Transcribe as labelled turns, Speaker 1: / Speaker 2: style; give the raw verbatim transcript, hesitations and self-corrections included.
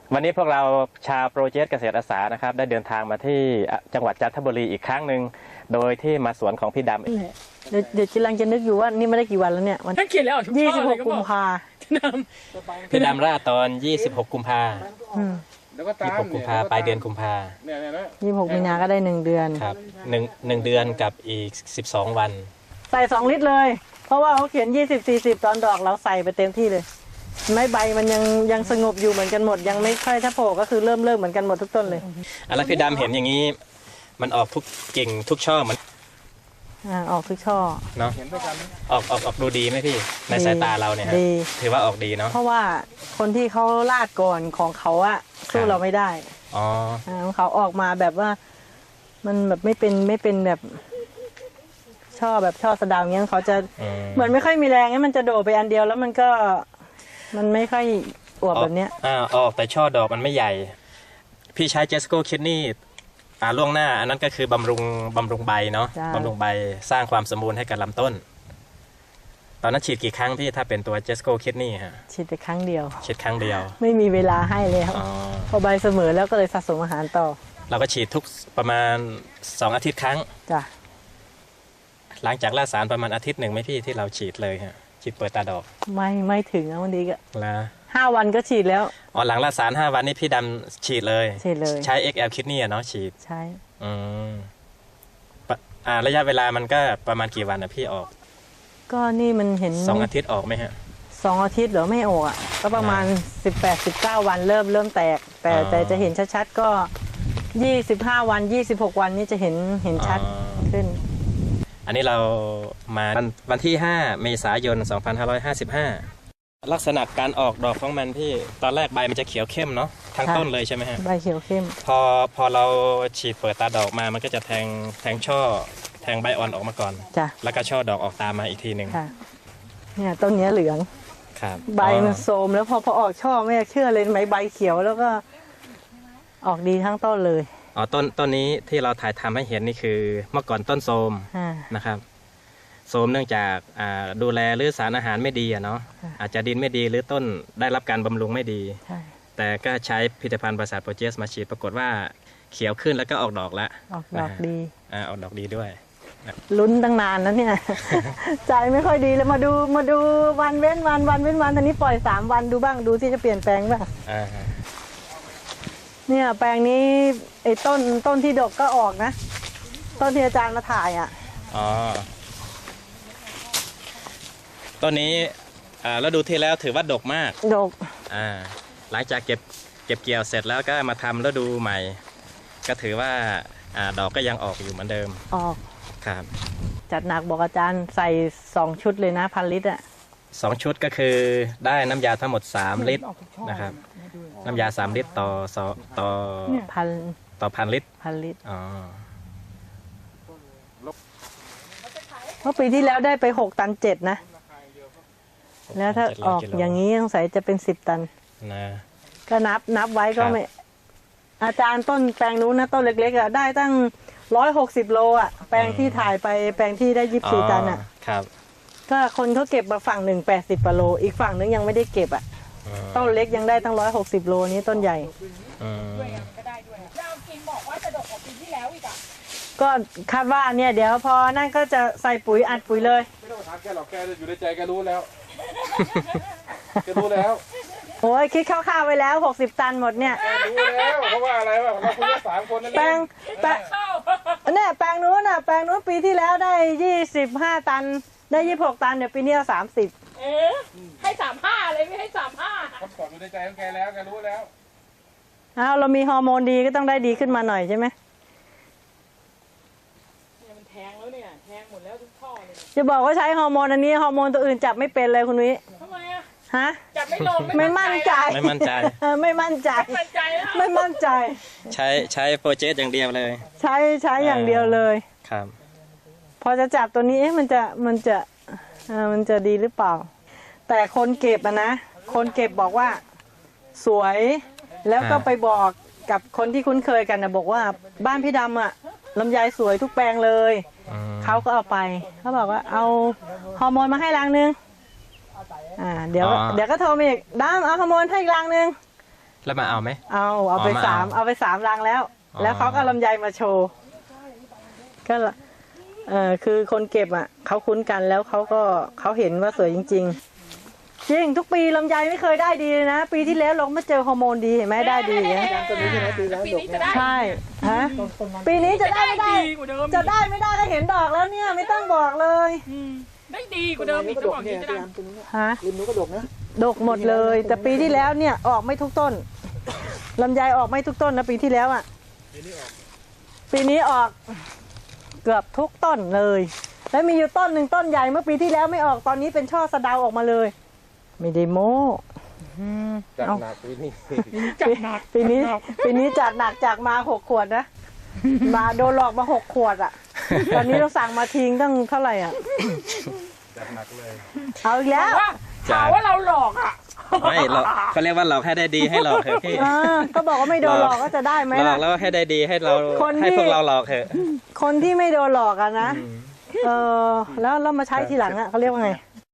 Speaker 1: วันนี้พวกเราชาวโปรเจกต์เกษตรอาสานะครับได้เดินทางมาที่จังหวัดจันทบุรีอีกครั้งหนึ่งโดยที่มาสวนของพี่ดำ
Speaker 2: เดี๋ยวเดี๋ยวกำลังจะนึกอยู่ว่านี่ไม่ได้กี่วันแล้วเนี่ยวัน
Speaker 3: ท่านเขียนแล้ว
Speaker 2: ยี่สิบหกกุมภา
Speaker 1: พี่ดำราตอนยี่สิบหกกุมภา
Speaker 4: แล้วก็ตาม
Speaker 1: ยี่สิบหกกุมภาปลายเดือนกุมภา
Speaker 4: เนี่ยเนี่ยนะ
Speaker 2: ยี่สิบหกมีนาก็ได้หนึ่งเดือน
Speaker 1: ครับหนึ่งหนึ่งเดือนกับอีกสิบสองวัน
Speaker 2: ใส่สองลิตรเลย เพราะว่าเขาเขียนยี่สิบสี่สิบตอนดอกเราใส่ไปเต็มที่เลยไม้ใบมันยังยังสงบอยู่เหมือนกันหมดยังไม่ค่อยถ้าโผล่ก็คือเริ่มเริ่มเหมือนกันหมดทุกต้นเลย
Speaker 1: อ่ะแล้วพี่ดำเห็นอย่างนี้มันออกทุกกิ่งทุกช่อมัน
Speaker 2: อ่าออกทุกช่อ
Speaker 1: เนาะ
Speaker 4: เห็นด้วยกันไหม
Speaker 1: ออกออกออกดูดีไหมพี่ในสายตาเราเนี่ยฮะ
Speaker 2: ดี
Speaker 1: ถือว่าออกดีเนาะ
Speaker 2: เพราะว่าคนที่เขาลาดก่อนของเขาอะสู้เราไม่ได้
Speaker 1: อ๋อ
Speaker 2: อ่าของเขาออกมาแบบว่า มันแบบไม่เป็นไม่เป็นแบบช่อแบบช่อสะเดาวเงี้ยเขาจะ
Speaker 1: อืม
Speaker 2: เหมือนไม่ค่อยมีแรงงั้นมันจะโดดไปอันเดียวแล้วมันก็มันไม่ค่อยอวบแบบเนี้ย
Speaker 1: อ่าออกแต่ช่อดอกมันไม่ใหญ่ พี่ใช้เจสโก้คิดนี่อ่าล่วงหน้าอันนั้นก็คือบำรุงบำรุงใบเนาะ
Speaker 2: จ้ะ
Speaker 1: บำรุงใบสร้างความสมบูรณ์ให้กับลำต้น ตอนนั้นฉีดกี่ครั้งพี่ถ้าเป็นตัวเจสโก้คิดนี่ฮะ
Speaker 2: ฉีดไปครั้งเดียว
Speaker 1: ฉีดครั้งเดียว
Speaker 2: ไม่มีเวลาให้แล้ว
Speaker 1: อ๋อ
Speaker 2: พอใบเสมอแล้วก็เลยสะสมอาหารต่อ
Speaker 1: เราก็ฉีดทุกประมาณสองอาทิตย์ครั้ง
Speaker 2: จ้ะ
Speaker 1: หลังจากล่าสารประมาณอาทิตย์หนึ่งไหมพี่ที่เราฉีดเลยฮะฉีดเปิดตาดอก
Speaker 2: ไม่ไม่ถึงนะวันนี้ก็
Speaker 1: แล้ว
Speaker 2: ห้าวันก็ฉีดแล้ว
Speaker 1: อ๋อหลังล่าสารห้าวันนี้พี่ดำฉีดเลย
Speaker 2: ฉีดเลย
Speaker 1: ใช้ เอ็กซ์ แอล คิดนี่อะเนาะฉีด
Speaker 2: ใช่
Speaker 1: อืมปะอ่าระยะเวลามันก็ประมาณกี่วันนะพี่ออก
Speaker 2: ก็นี่มันเห็น
Speaker 1: สองอาทิตย์ออกไหมฮะ
Speaker 2: สองอาทิตย์เหรอไม่ออกอ่ะก็ประมาณสิบแปดสิบเก้าวันเริ่มเริ่มแตก แต่
Speaker 1: อ๋อ
Speaker 2: แต่จะเห็นชัดๆก็ยี่สิบห้าวันยี่สิบหกวันนี้จะเห็นเห็นชัด
Speaker 1: อ๋อ
Speaker 2: ขึ้น
Speaker 1: อันนี้เรามาวันวันที่ห้าเมษายนสองพันห้าร้อยห้าสิบห้าลักษณะการออกดอกของมันพี่ตอนแรกใบมันจะเขียวเข้มเนาะทั้ง
Speaker 2: ค่ะ
Speaker 1: ต้นเลยใช่ไหมฮะ
Speaker 2: ใบเขียวเข้ม
Speaker 1: พอพอเราฉีดเปิดตาดอกมามันก็จะแทงแทงช่อแทงใบอ่อนออกมาก่อน
Speaker 2: จ้ะ
Speaker 1: แล้วก็ช่อดอกออกตามมาอีกทีหนึ่ง
Speaker 2: ค่ะเนี่ยต้นเนี้ยเหลือง
Speaker 1: ครับ
Speaker 2: ใบ
Speaker 1: อ๋อ
Speaker 2: มันโทรมแล้วพอพอออกช่อไม่เชื่อเลยไหมใบเขียวแล้วก็ออกดีทั้งต้นเลย
Speaker 1: อ๋อต้นต้นนี้ที่เราถ่ายทำให้เห็นนี่คือเมื่อก่อนต้นโทรม
Speaker 2: อ่า
Speaker 1: นะครับโทรมเนื่องจากอ่าดูแลหรือสารอาหารไม่ดีอะเนาะ
Speaker 2: ค่ะ
Speaker 1: อาจจะดินไม่ดีหรือต้นได้รับการบำรุงไม่ดี
Speaker 2: ใช่
Speaker 1: แต่ก็ใช้ผลิตภัณฑ์ประสาทโปรเจสมาฉีดปรากฏว่าเขียวขึ้นแล้วก็ออกดอกแล้ว
Speaker 2: ออกดอกดี
Speaker 1: อ่าออกดอกดีด้วย
Speaker 2: ลุ้นตั้งนานนะเนี่ย ใจไม่ค่อยดีเลยมาดูมาดูวันเว้นวันวันเว้นวันตอนนี้ปล่อยสามวันดูบ้างดูที่จะเปลี่ยนแปลงบ้าง
Speaker 1: อ่า
Speaker 2: เนี่ยแปลงนี้ไอ้ต้นต้นที่ดกก็ออกนะ ต้นที่อาจารย์มาถ่ายอ่ะ
Speaker 1: อ๋อต้นนี้อ่าแล้วดูที่แล้วถือว่าดกมาก
Speaker 2: ดก
Speaker 1: อ่าหลังจากเก็บเก็บเกี่ยวเสร็จแล้วก็มาทำแล้วดูใหม่ ก็ถือว่าอ่าดอกก็ยังออกอยู่เหมือนเดิม
Speaker 2: ออก
Speaker 1: ครับ
Speaker 2: จัดหนักบอกอาจารย์ใส่สองชุดเลยนะพันลิตรอ่ะ
Speaker 1: สองชุดก็คือได้น้ำยาทั้งหมดสามลิตรนะครับ น้ำยาสามลิตรต่อสอต่อ
Speaker 2: พัน
Speaker 1: ต่อพันลิตร
Speaker 2: พันลิตร
Speaker 1: อ๋อ
Speaker 2: เพราะปีที่แล้วได้ไปหกตันเจ็ดนะ แล้วถ้า
Speaker 1: เจ็ด
Speaker 2: อ
Speaker 1: ร้
Speaker 2: อก
Speaker 1: กิโล
Speaker 2: อย่างนี้สงสัยจะเป็นสิบตัน
Speaker 1: นะ
Speaker 2: ก็นับนับไว้ก็
Speaker 1: ครับ
Speaker 2: ไม่ อาจารย์ต้นแปลงนู้นนะต้นเล็กๆอ่ะได้ตั้งร้อยหกสิบโลอ่ะแปลงที่ถ่ายไปแปลงที่ได้ยี่สิบสี่ตันอ่ะ
Speaker 1: ครับ
Speaker 2: ก็คนเขาเก็บมาฝั่งหนึ่งแปดสิบโลอีกฝั่งนึงยังไม่ได้เก็บอ่ะ
Speaker 1: อืม
Speaker 2: ต้นเล็กยังได้ตั้งร้อยหกสิบโลนี้ต้นใหญ่
Speaker 1: อืม
Speaker 3: ก็ได้ด้วยแล้วเอาจริงบอกว่าจะดกกว่าปีที่แล้วอีกอ่ะ
Speaker 2: ก็คาดว่าเนี่ยเดี๋ยวพอนั่นก็จะใส่ปุ๋ยอัดปุ๋ยเลย
Speaker 4: ไม่ต้องถามแกหรอกแกอยู่ในใจแกรู้แล้วแกรู้แล้ว
Speaker 2: โอ้ยคิดคร่าวๆไว้แล้วหกสิบตันหมดเนี่ย
Speaker 4: แกรู้แล้วเพราะว่าอะไรวะเราคุยกันสามคนนั่น
Speaker 2: แปล
Speaker 4: เอง
Speaker 2: แปลงเนี่ยแปลงนู้นน่ะแปลงนู้นปีที่แล้วได้ยี่สิบห้าตันได้ยี่สิบหกตันเดี๋ยวปีนี้เอาสามสิบ
Speaker 3: เอ๊ะให้สามห้าเลยไม่ให้สามห้า
Speaker 4: เขาสอนอยู่ในใจของแกแล้วแกรู้แล้ว
Speaker 2: อ้าวเรามีฮอร์โมนดีก็ต้องได้ดีขึ้นมาหน่อยใช่ไหม
Speaker 3: เนี่ยมันแทงแล้วเนี่ยแทงหมดแล้วทุกท่อเลย
Speaker 2: จะบอกว่าใช้ฮอร์โมนอันนี้ฮอร์โมนตัวอื่นจับไม่เป็นเลยคุณวิ
Speaker 3: ทำไมอ่ะ
Speaker 2: ฮะ
Speaker 3: จับไม่ลง
Speaker 2: ไม่มั่นใจ
Speaker 1: ไม่มั่นใจ
Speaker 2: เออไม่มั่นใจ
Speaker 3: ไม่มั่นใจแล้ว
Speaker 2: ไม่มั่นใจ
Speaker 1: ใช้ใช้โปรเจสอย่างเดียวเลย
Speaker 2: ใช้ใช้อย่างเดียวเลย
Speaker 1: ครับ
Speaker 2: พอจะจับตัวนี้เอ๊ะมันจะมันจะเออมันจะดีหรือเปล่า แต่คนเก็บอะนะ คนเก็บบอกว่าสวยแล้วก็
Speaker 1: อ่า
Speaker 2: ไปบอกกับคนที่คุ้นเคยกันนะบอกว่าบ้านพี่ดำอะลำไยสวยทุกแปลงเลย
Speaker 1: อืม
Speaker 2: เขาก็เอาไปเขาบอกว่าเอาฮอร์โมนมาให้รังนึงอ่าเดี๋ยว
Speaker 1: อ๋อ
Speaker 2: เดี๋ยวก็โทรมาอีกดำเอาฮอร์โมนให้อีกรังนึง
Speaker 1: แล้วมาเอาไหม
Speaker 2: เอาเอาไป
Speaker 1: อ๋อมา
Speaker 2: สาม
Speaker 1: เอา
Speaker 2: เอาไปสามรังแล้ว
Speaker 1: อ๋อ
Speaker 2: แล้วเขาก็ลำไยมาโชว์ก็ละเออคือคนเก็บอ่ะเขาคุ้นกันแล้วเขาก็เขาเห็นว่าสวยจริง ๆ จริงทุกปีลำไยไม่เคยได้ดีเลยนะ ปีที่แล้วเรามาเจอฮอร์โมนดีเห็นไหมได้ดีอย่างเงี้ย
Speaker 3: ตัวนี้ใช่ไหมปีแล้วปีนี้จะได้
Speaker 2: ใช่ฮะปีนี้จะได้ไม่ได้
Speaker 3: ดีกว่าเดิม
Speaker 2: จะได้ไม่ได้ก็เห็นดอกแล้วเนี่ยไม่ต้องบอกเลย
Speaker 3: อืมได้ดีกว่าเดิมอีกจะบอกอย่างนี้จะดัง
Speaker 2: ฮะ
Speaker 5: ริมนู้นก็ดกนะ
Speaker 2: ดกหมดเลย แต่ปีที่แล้วเนี่ยออกไม่ทุกต้นลำไยออกไม่ทุกต้นนะปีที่แล้วอ่ะปีนี้ออกเกือบทุกต้นเลย แล้วมีอยู่ต้นหนึ่งต้นใหญ่เมื่อปีที่แล้วไม่ออกตอนนี้เป็นช่อสะเดาออกมาเลย ไม่ได้โม้
Speaker 4: จาก
Speaker 2: เอา
Speaker 4: หนักปีนี้
Speaker 3: จัดหนัก
Speaker 2: ปีนี้ปีนี้จัดหนักจากมาหกขวดนะ มาโดนหลอกมาหกขวดอ่ะ ตอนนี้เราสั่งมาทิ้งตั้งเท่าไหร่อ่ะ
Speaker 4: จัดหนักเลย
Speaker 2: เอาอีกแล้ว
Speaker 3: ว่าหาว่าเราหลอกอ่ะ
Speaker 1: ไม่หลอกเขาเรียกว่าหลอกให้ได้ดีให้หลอกเถอะพี่
Speaker 2: อ่าก็บอกว่าไม่โดนหลอกก็จะได้ไหม
Speaker 1: หลอ
Speaker 2: ล่ะ
Speaker 1: กแล้วให้ได้ดีให้เรา
Speaker 2: คนที่
Speaker 1: ให้พวกเราหลอกเถอะ
Speaker 2: คนที่ไม่โดนหลอกอะนะ เออแล้วเรามาใช้ทีหลังอะเขาเรียกว่าไง